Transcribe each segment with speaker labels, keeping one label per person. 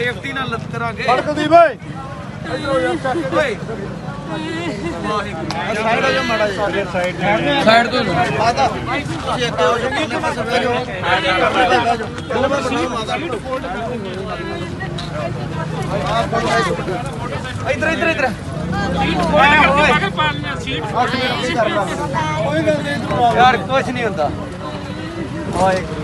Speaker 1: Safety ਨਾਲ ਲੱਤ ਕਰਾਂਗੇ
Speaker 2: ਕੁਲਦੀਪ ਓਏ
Speaker 1: ਓਏ ਸਾਈਡ ਹੋ ਜਾ ਮਾੜਾ ਜਿਹਾ
Speaker 2: ਸਾਈਡ ਤੋਂ
Speaker 1: ਮਾਤਾ ਤੁਸੀਂ ਅੱਗੇ ਹੋ ਜਾਓ ਕਿੰਨੇ ਪਾਸੇ ਬਹਿ ਜਾਓ ਦੋ ਮੈਂ ਬਣਾਉ ਮਾਤਾ ਇਧਰ ਇਧਰ ਇਧਰ ਯਾਰ ਕੁਝ ਨਹੀਂ ਹੁੰਦਾ ਵਾਹਿਗੁਰੂ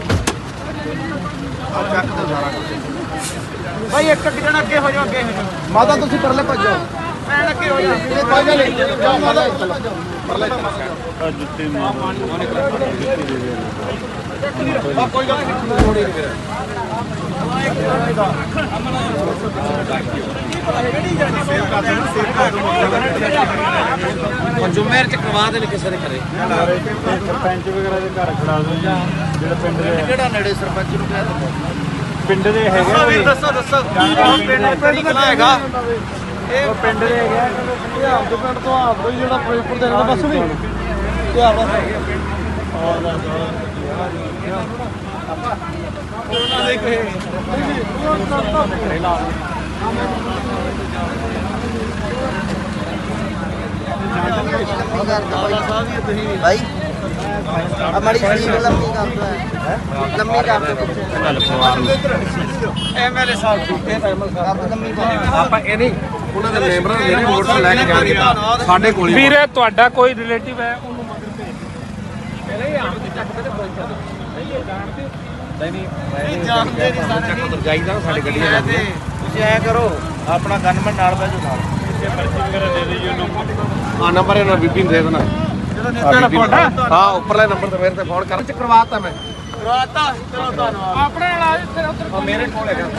Speaker 1: ਚੱਕ ਦੋ ਸਾਰਾ ਭਾਈ ਇੱਕ ਜਣਾ ਅੱਗੇ ਹੋ ਜਾਓ ਅੱਗੇ ਹੋ ਜਾਓ ਮਾਤਾ ਤੁਸੀਂ ਪਰਲੇ ਭੱਜੋ ਮੈਂ ਅੱਗੇ ਹੋ ਜਾ ਕੋਈ ਗੱਲ ਨਹੀਂ ਜਾਓ ਮਾਤਾ ਪਰਲੇ ਜੁੱਤੀ ਕੋਈ ਗੱਲ ਨਹੀਂ ਥੋੜੀ ਫਿਰ ਜੁਮੇਰ ਚ ਕਰਵਾ ਦੇਣ ਕਿਸੇ ਦੇ ਘਰੇ
Speaker 2: ਸਰਪੰਚ ਵਗੈਰਾ ਦੇ ਘਰ ਖੜਾ ਦੋ ਜਾਂ ਜਿਹੜਾ ਪਿੰਡ ਦੇ
Speaker 1: ਕਿਹੜਾ ਨੇੜੇ ਸਰਪੰਚ ਨੂੰ ਕਹਿ ਦਿੰਦਾ
Speaker 2: ਪਿੰਡ ਦੇ ਹੈਗੇ
Speaker 1: ਦੱਸੋ ਪਿੰਡ ਕਿਹੜਾ ਹੈਗਾ
Speaker 2: ਇਹ ਪਿੰਡ ਦੇ ਹੈਗੇ ਪੰਜਾਬ ਦੇ ਪਿੰਡ ਤੋਂ ਆਪ ਤੋਂ ਜਿਹੜਾ ਫਿਰੋਜ਼ਪੁਰ ਦੇ ਨਾਲ ਬਸ ਵੀ ਤੇ ਆਪਣਾ ਹੈਗੇ
Speaker 1: ਭਾਈ हमारी लंबी काम तो है लंबी काम एमएलए साहब लंबी ਆਪਾਂ ਇਹ ਨਹੀਂ ਉਹਨਾਂ ਦੇ ਮੈਂਬਰਾਂ ਨੇ ਵੋਟ ਲੈ ਕੇ ਜਾਣਗੇ ਸਾਡੇ ਕੋਲ
Speaker 2: ਵੀਰੇ ਤੁਹਾਡਾ ਕੋਈ ਰਿਲੇਟਿਵ ਹੈ ਉਹਨੂੰ ਮਗਰ ਭੇਜ ਪਹਿਲੇ ਹੀ ਆਮ ਦੀ ਚੱਕ ਤੇ ਪਹੁੰਚਾ ਦੋ ਨਹੀਂ ਜਾਣਦੇ ਨਹੀਂ ਸਾਰੇ ਚੱਕ ਉਧਰ ਜਾਈਦਾ ਸਾਡੇ ਗੱਡੀ ਜਾਂਦੇ
Speaker 1: ਤੁਸੀਂ ਐ ਕਰੋ ਆਪਣਾ ਗਨਮੈਨ ਨਾਲ ਬੈਜੋ ਨਾਲ
Speaker 2: ਪਰਚੀ ਵਗੈਰਾ ਦੇ ਦਿਓ ਨੰਬਰ
Speaker 1: ਆ ਨੰਬਰ ਇਹਨਾਂ ਬੀਬੀ ਨੂੰ ਦੇ ਦੇਣਾ ਹਾਂ ਉੱਪਰਲੇ ਨੰਬਰ ਤੇ ਮੇਰੇ ਤੇ ਫੋਨ ਕਰ ਕਰਵਾਤਾ ਮੈਂ ਕਰਵਾਤਾ ਚਲੋ ਧੰਨਵਾਦ
Speaker 2: ਆਪਣੇ ਨਾਲ ਇੱਥੇ ਉੱਧਰ
Speaker 1: ਮੇਰੇ ਕੋਲ ਹੈਗਾ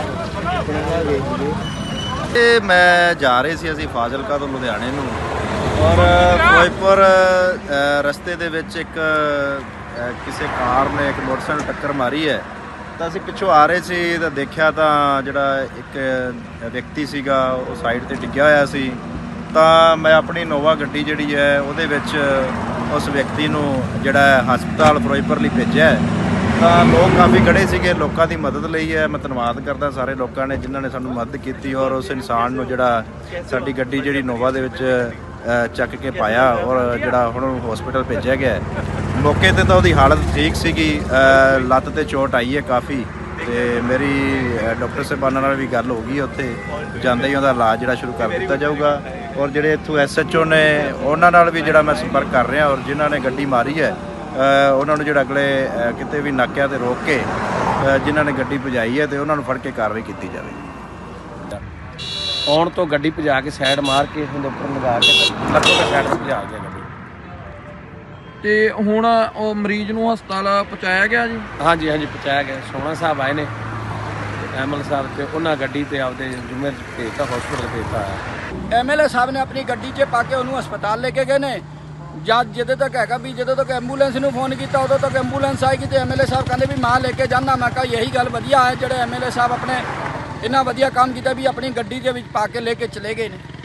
Speaker 1: ਇਹ ਮੈਂ ਜਾ ਰਹੇ ਸੀ ਅਸੀਂ ਫਾਜ਼ਿਲਕਾ ਤੋਂ ਲੁਧਿਆਣੇ ਨੂੰ ਔਰ ਫਿਰੋਜ਼ਪੁਰ ਰਸਤੇ ਦੇ ਵਿੱਚ ਇੱਕ ਕਿਸੇ ਕਾਰ ਨੇ ਇੱਕ ਮੋਟਰਸਾਈਕਲ ਟੱਕਰ ਮਾਰੀ ਹੈ ਤਾਂ ਅਸੀਂ ਪਿੱਛੋਂ ਆ ਰਹੇ ਸੀ ਤਾਂ ਦੇਖਿਆ ਤਾਂ ਜਿਹੜਾ ਇੱਕ ਵਿਅਕਤੀ ਸੀਗਾ ਉਹ ਸਾਈਡ ਤੇ ਡਿੱਗਿਆ ਹੋਇਆ ਸੀ ਤਾਂ ਮੈਂ ਆਪਣੀ ਨੋਵਾ ਗੱਡੀ ਜਿਹੜੀ ਹੈ ਉਹਦੇ ਵਿੱਚ ਉਸ ਵਿਅਕਤੀ ਨੂੰ ਜਿਹੜਾ ਹਸਪਤਾਲ ਫਿਰੋਜ਼ਪੁਰ ਲਈ ਭੇਜਿਆ ਤਾਂ ਲੋਕ ਕਾਫੀ ਖੜੇ ਸੀਗੇ ਲੋਕਾਂ ਦੀ ਮਦਦ ਲਈ ਹੈ ਮੈਂ ਧੰਨਵਾਦ ਕਰਦਾ ਸਾਰੇ ਲੋਕਾਂ ਨੇ ਜਿਨ੍ਹਾਂ ਨੇ ਸਾਨੂੰ ਮਦਦ ਕੀਤੀ ਔਰ ਉਸ ਇਨਸਾਨ ਨੂੰ ਜਿਹੜਾ ਸਾਡੀ ਗੱਡੀ ਜਿਹੜੀ ਨੋਵਾ ਦੇ ਵਿੱਚ ਚੱਕ ਕੇ ਪਾਇਆ ਔਰ ਜਿਹੜਾ ਹੁਣ ਉਹਨੂੰ ਹਸਪੀਟਲ ਭੇਜਿਆ ਗਿਆ ਮੌਕੇ ਤੇ ਤਾਂ ਉਹਦੀ ਹਾਲਤ ਠੀਕ ਸੀਗੀ ਲੱਤ ਤੇ ਚੋਟ ਆਈ ਹੈ ਕਾਫੀ ਤੇ ਮੇਰੀ ਡਾਕਟਰ ਸਾਹਿਬਾਨਾਂ ਨਾਲ ਵੀ ਗੱਲ ਹੋ ਗਈ ਉੱਥੇ ਜਾਂਦੇ ਹੀ ਉਹਦਾ ਇਲਾਜ ਜਿਹੜਾ ਸ਼ੁਰੂ ਕਰ ਦਿੱਤਾ ਜਾਊਗਾ ਔਰ ਜਿਹੜੇ ਇੱਥੋਂ ਐਸਐਚਓ ਨੇ ਉਹਨਾਂ ਨਾਲ ਵੀ ਜਿਹੜਾ ਮੈਂ ਸੰਪਰਕ ਕਰ ਰਿਹਾ ਔਰ ਜਿਨ੍ਹਾਂ ਨੇ ਗੱਡੀ ਮਾਰੀ ਹੈ ਉਹਨਾਂ ਨੂੰ ਜਿਹੜਾ ਅਗਲੇ ਕਿਤੇ ਵੀ ਨਾਕਿਆਂ ਤੇ ਰੋਕ ਕੇ ਜਿਨ੍ਹਾਂ ਨੇ ਗੱਡੀ ਭਜਾਈ ਹੈ ਤੇ ਉਹਨਾਂ ਨੂੰ ਫੜ ਕੇ ਕਾਰਵਾਈ ਕੀਤੀ ਜਾਵੇ
Speaker 3: ਆਉਣ ਤੋਂ ਗੱਡੀ ਭਜਾ ਕੇ ਸਾਈਡ ਮਾਰ ਕੇ ਉਹਦੇ ਉੱਪਰ ਲਗਾ ਕੇ ਲੱਤੋਂ ਤੇ ਸਾਈਡ 'ਤੇ ਭਜਾ ਗਿਆ ਗੱਡੀ
Speaker 4: ਤੇ ਹੁਣ ਉਹ ਮਰੀਜ਼ ਨੂੰ ਹਸਪਤਾਲ ਪਹੁੰਚਾਇਆ ਗਿਆ ਜੀ
Speaker 3: ਹਾਂਜੀ ਹਾਂਜੀ ਪਹੁੰਚਾਇਆ ਗਿਆ ਸੋਹਣਾ ਸਾਹਿਬ ਆਏ ਨੇ ਐਮਐਲ ਸਾਹਿਬ ਤੇ ਉਹਨਾਂ ਗੱਡੀ ਤੇ ਆਪਦੇ ਜੁਮੇਰ ਭੇਜਤਾ ਹਸਪਤਾਲ ਭੇਜਤਾ
Speaker 5: ਐਮਐਲਏ ਸਾਹਿਬ ਨੇ ਆਪਣੀ ਗੱਡੀ 'ਚ ਪਾ ਕੇ ਉਹਨੂੰ ਹਸਪਤਾਲ ਲੈ ਕੇ ਗਏ ਨੇ ਜਦ ਜਦੋਂ ਤੱਕ ਹੈਗਾ ਵੀ ਜਦੋਂ ਤੱਕ ਐਂਬੂਲੈਂਸ ਨੂੰ ਫੋਨ ਕੀਤਾ ਉਦੋਂ ਤੱਕ ਐਂਬੂਲੈਂਸ ਆਏਗੀ ਤੇ ਐਮਐਲਏ ਸਾਹਿਬ ਕਹਿੰਦੇ ਵੀ ਮੈਂ ਲੈ ਕੇ ਜਾਂਦਾ ਮੈਂ ਕਿਹਾ ਇਹੀ ਗੱਲ ਵਧੀਆ ਹੈ ਜਿਹੜੇ ਐਮਐਲਏ ਸਾਹਿਬ ਆਪਣੇ ਇੰਨਾ ਵਧੀਆ ਕੰਮ ਕੀਤਾ ਵੀ ਆਪਣੀ ਗੱਡੀ ਦੇ ਵਿੱਚ ਪਾ ਕੇ ਲੈ ਕੇ ਚਲੇ ਗਏ ਨੇ।